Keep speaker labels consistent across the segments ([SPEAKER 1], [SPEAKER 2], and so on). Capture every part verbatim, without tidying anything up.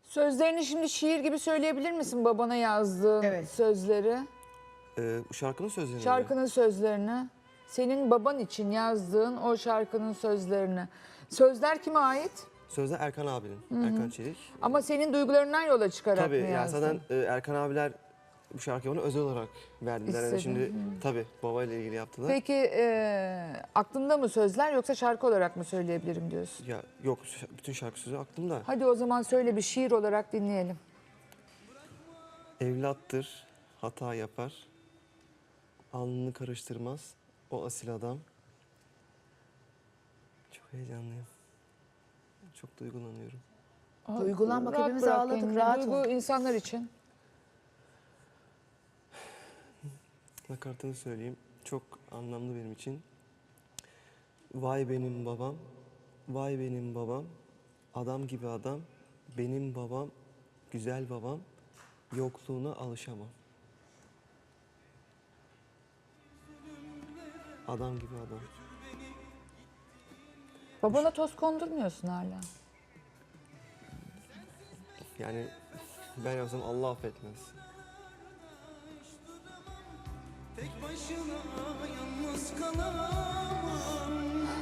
[SPEAKER 1] Sözlerini şimdi şiir gibi söyleyebilir misin babana yazdığın
[SPEAKER 2] Evet.
[SPEAKER 1] sözleri?
[SPEAKER 3] Ee, şarkının sözleri mi?
[SPEAKER 1] Şarkının sözlerini. Senin baban için yazdığın o şarkının sözlerini. Sözler kime ait?
[SPEAKER 3] Sözler Erkan abinin. Erkan Çelik.
[SPEAKER 1] Ama senin duygularından yola çıkarak
[SPEAKER 3] Tabii
[SPEAKER 1] mı
[SPEAKER 3] yani
[SPEAKER 1] yazdın?
[SPEAKER 3] zaten e, Erkan abiler bu şarkıyı bana özel olarak verdiler. Yani
[SPEAKER 1] İstedi.
[SPEAKER 3] şimdi tabii babayla ilgili yaptılar.
[SPEAKER 1] Peki e, aklında mı sözler yoksa şarkı olarak mı söyleyebilirim diyorsun?
[SPEAKER 3] Ya yok ş- bütün şarkı sözü aklımda.
[SPEAKER 1] Hadi o zaman söyle bir şiir olarak dinleyelim.
[SPEAKER 3] Evlattır, hata yapar. Alnını karıştırmaz o asil adam. Çok heyecanlıyım. Çok duygulanıyorum.
[SPEAKER 2] Duygulan bak,
[SPEAKER 1] Rahat
[SPEAKER 2] hepimiz
[SPEAKER 1] bırak
[SPEAKER 2] ağladık,
[SPEAKER 1] kendini.
[SPEAKER 2] rahat
[SPEAKER 1] Duygu
[SPEAKER 2] ol.
[SPEAKER 1] insanlar için.
[SPEAKER 3] Nakaratını söyleyeyim. Çok anlamlı benim için. Vay benim babam, vay benim babam, adam gibi adam, benim babam, güzel babam, yokluğuna alışamam. Adam gibi adam.
[SPEAKER 1] Babana toz kondurmuyorsun hala.
[SPEAKER 3] Yani ben yapsam Allah affetmez.
[SPEAKER 4] Tek başına yalnız kalamam.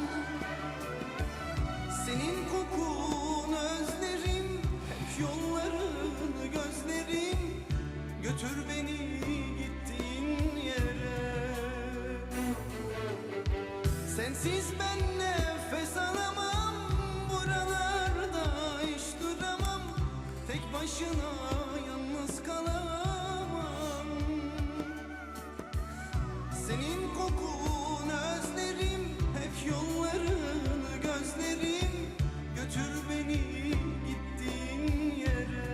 [SPEAKER 4] Senin kokun özlerim, hep yollarını gözlerim. Götür beni gittiğin yere. Sensiz ben nefes alamam. Buralarda hiç duramam. Tek başına yalnız kalamam. Senin kokun özlerim, hep yollarını gözlerim. Götür beni gittiğin yere.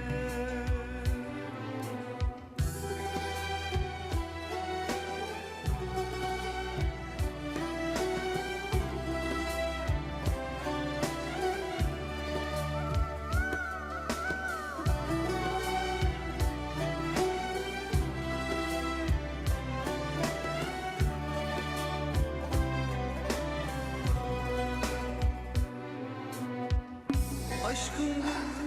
[SPEAKER 4] Aşkın